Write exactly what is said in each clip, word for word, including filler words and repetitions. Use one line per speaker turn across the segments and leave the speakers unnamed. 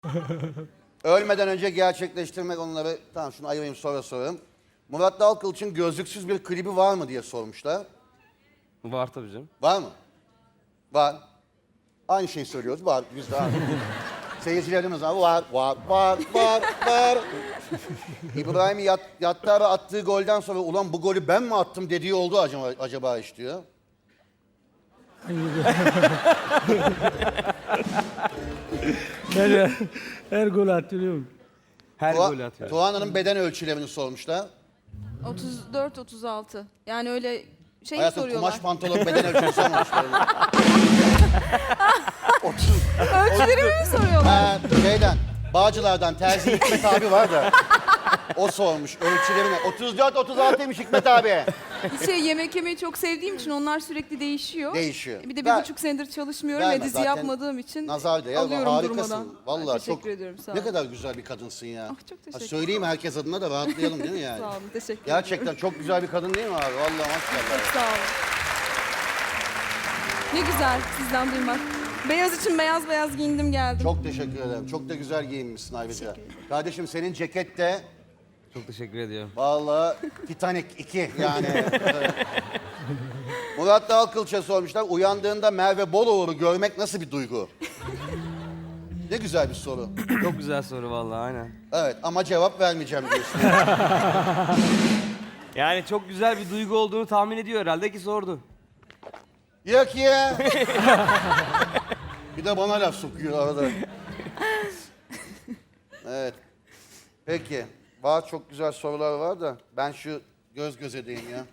Ölmeden önce gerçekleştirmek onları... Tamam şunu ayırayım sonra sorarım. Murat Dalkılıç'ın gözlüksüz bir klibi var mı diye sormuşlar.
Var tabii canım.
Var mı? Var. Aynı şeyi söylüyoruz. Var. Biz de var. Seyircilerimiz var. Var, var, var, var, var. İbrahim Yat, Yattar'a attığı golden sonra ulan bu golü ben mi attım dediği oldu acaba, acaba iş diyor.
Ben her, her gol atıyorum.
Her
Tuğa-
golü atıyor.
Tuğan'ın beden ölçülerini sormuşlar.
otuz dört otuz altı. Yani öyle şey
Hayatım
soruyorlar.
kumaş pantolon beden ölçüsü sormamışlar. otuz.
Ölçülerimi mi soruyorlar?
Ha, şeyden, Bağcılar'dan Terzi Hikmet abi var da. O sormuş ölçülerini. otuz dört otuz altıymış Hikmet abi.
Şey, yemek yemeyi çok sevdiğim için onlar sürekli değişiyor.
Değişiyor.
Bir de bir
Ver-
buçuk senedir çalışmıyorum
Verme
ve dizi
zaten.
yapmadığım için
Nazar değer.
alıyorum
Harikasın.
durmadan.
Vallahi
Teşekkür
çok.
ediyorum, sağ
Ne
olun.
kadar güzel bir kadınsın ya.
Ah, çok teşekkür
Ha, söyleyeyim herkes adına da rahatlayalım değil mi yani?
Sağ olun, teşekkür
Gerçekten
ediyorum.
çok güzel bir kadın değil mi abi? Vallahi maşallah.
Çok sağ olun. Ne güzel sizden duymak. Beyaz için beyaz beyaz giyindim geldim.
Çok teşekkür ederim. Çok da güzel giyinmişsin ayrıca. Kardeşim senin ceket de
Çok teşekkür ediyorum.
vallahi Titanic iki yani. Murat Dalkılıç'a sormuşlar. Uyandığında Merve Boluğur'u görmek nasıl bir duygu? Ne güzel bir soru.
Çok güzel soru vallahi aynen.
Evet ama cevap vermeyeceğim diyorsun.
Yani çok güzel bir duygu olduğunu tahmin ediyor herhalde ki sordu.
Yok ya. Bir de bana laf sokuyor arada. Evet. Peki. Var çok güzel sorular var da ben şu göz göze deyim ya.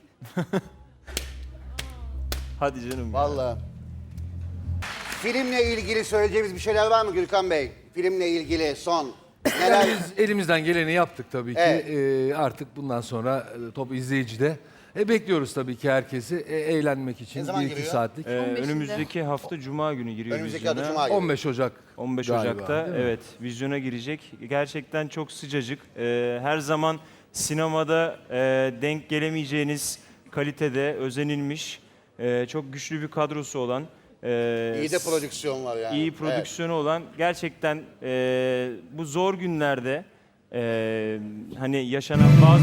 Hadi canım.
Vallahi. Filmle ilgili söyleyeceğimiz bir şeyler var mı Gürkan Bey? Filmle ilgili son. Neler?
Biz elimizden geleni yaptık tabii ki.
Evet.
Ee, artık bundan sonra e, top izleyicide. E, bekliyoruz tabii ki herkesi e, eğlenmek için
Ne zaman
bir iki
giriyor?
saatlik.
Ee,
on beşinde.
önümüzdeki hafta Cuma günü giriyor
Önümüzdeki adı
vizyona.
Cuma günü.
on beş Ocak.
on beş
galiba,
Ocak'ta
değil mi?
evet vizyona girecek. Gerçekten çok sıcacık. Ee, her zaman sinemada e, denk gelemeyeceğiniz kalitede özenilmiş, e, çok güçlü bir kadrosu olan, e,
İyi de prodüksiyon var yani.
iyi prodüksiyonu olan gerçekten e, bu zor günlerde e, hani yaşanan bazı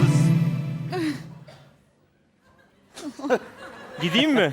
gideyim mi?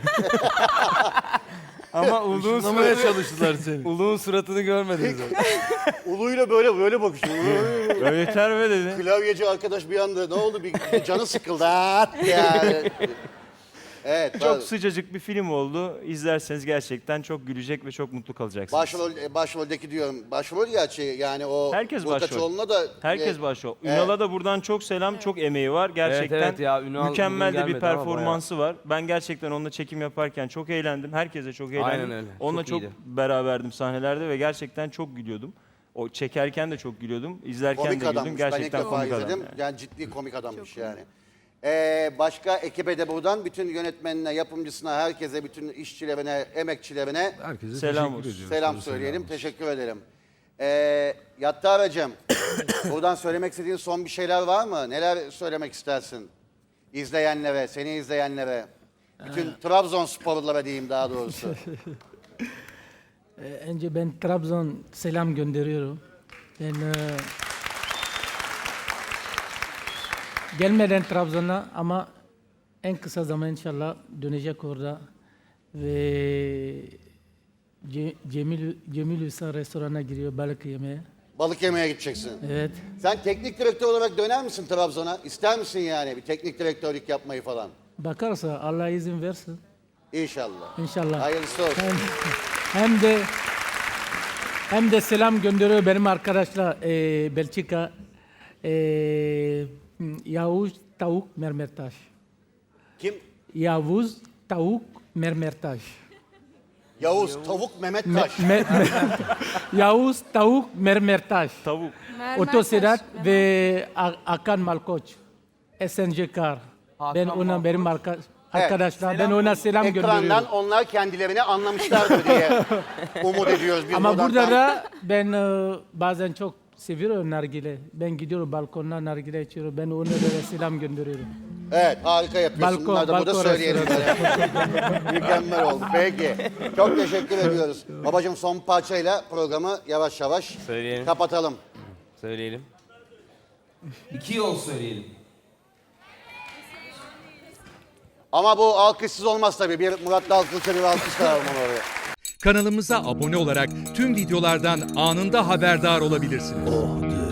Ama Uluğun,
Anlamaya
suratı,
çalıştılar seni.
Uluğun suratını görmediniz.
Evet. Uluyla böyle böyle bakışıyor.
Yeter be dedi.
Klavyeci arkadaş bir anda ne oldu bir, bir canı sıkıldı. At yani. Evet.
Çok
tabii.
sıcacık bir film oldu. İzlerseniz gerçekten çok gülecek ve çok mutlu kalacaksınız.
Başrol, e, başroldeki diyorum. Başrol gerçi yani o
Herkes
Burkaçoğlu'na da
Herkes
e,
başrol.
evet.
Ünal'a da buradan çok selam, çok emeği var. Gerçekten
evet ya, Ünal
mükemmel
bugün
de bir
gelmedi ama
performansı var. Ben gerçekten onunla çekim yaparken çok eğlendim. Herkese çok eğlendim.
Aynen öyle.
Onunla
Çok
çok,
iyiydi.
beraberdim sahnelerde ve gerçekten çok gülüyordum. O çekerken de çok gülüyordum. İzlerken
komik
de güldüm.
adammış. Ben ilk
Gerçekten
defa
komik adam.
izledim.
yani.
Yani ciddi komik adammış yani. Ee, başka ekibe de buradan bütün yönetmenine, yapımcısına, herkese, bütün işçilerine, emekçilerine
Herkese
Selam
teşekkür
olsun.
ediyoruz.
selam
Tabii,
söyleyelim.
selam.
Teşekkür ederim. Ee, Yattar'cığım, buradan söylemek istediğin son bir şeyler var mı? Neler söylemek istersin? İzleyenlere, seni izleyenlere. Bütün Trabzonsporlulara diyeyim daha doğrusu.
Ee, önce ben Trabzon selam gönderiyorum. Ben e, gelmeden Trabzon'a ama en kısa zaman inşallah dönecek orada ve Ce- Cemil Cemil Usta restorana giriyor balık yemeye.
Balık yemeye gideceksin.
Evet.
Sen teknik direktör olarak döner misin Trabzon'a? İster misin yani bir teknik direktörlük yapmayı falan?
Bakarsa Allah izin versin
İnşallah.
inşallah.
Hayırlısı olsun.
Hem, hem de hem de selam gönderiyor benim arkadaşlar e, Belçika e, Yavuz Tavuk Mermertaş.
Kim?
Yavuz Tavuk Mermertaş.
Yavuz, Tavuk, Mehmet
Me,
Taş.
me, me, Yavuz Tavuk Mermertaş.
Tavuk.
Mermer
Otosedat
taş,
ve A- Akan Malkoç. S N C Kar. Ben ona benim arka, arkadaşlar ben ona selam
Ekrandan
gönderiyorum.
onlar kendilerini anlamışlardır diye umut ediyoruz. Biz
Ama
buradan
burada
tam-
da ben e, bazen çok seviyor nargile. Ben gidiyorum balkondan nargile içiyorum. Ben ona böyle selam gönderiyorum.
Evet, harika yapıyorsun.
Balkon-
Bunları da burada
balkon
söyleyelim. Mükemmel oldu. Peki. Çok teşekkür ediyoruz. Babacığım son parçayla programı yavaş yavaş
Söyleyelim.
kapatalım.
Söyleyelim. İki yol söyleyelim.
Ama bu alkışsız olmaz tabii. Bir Murat Dalkılıç'a bir alkış alalım onu oraya.
Kanalımıza abone olarak tüm videolardan anında haberdar olabilirsiniz.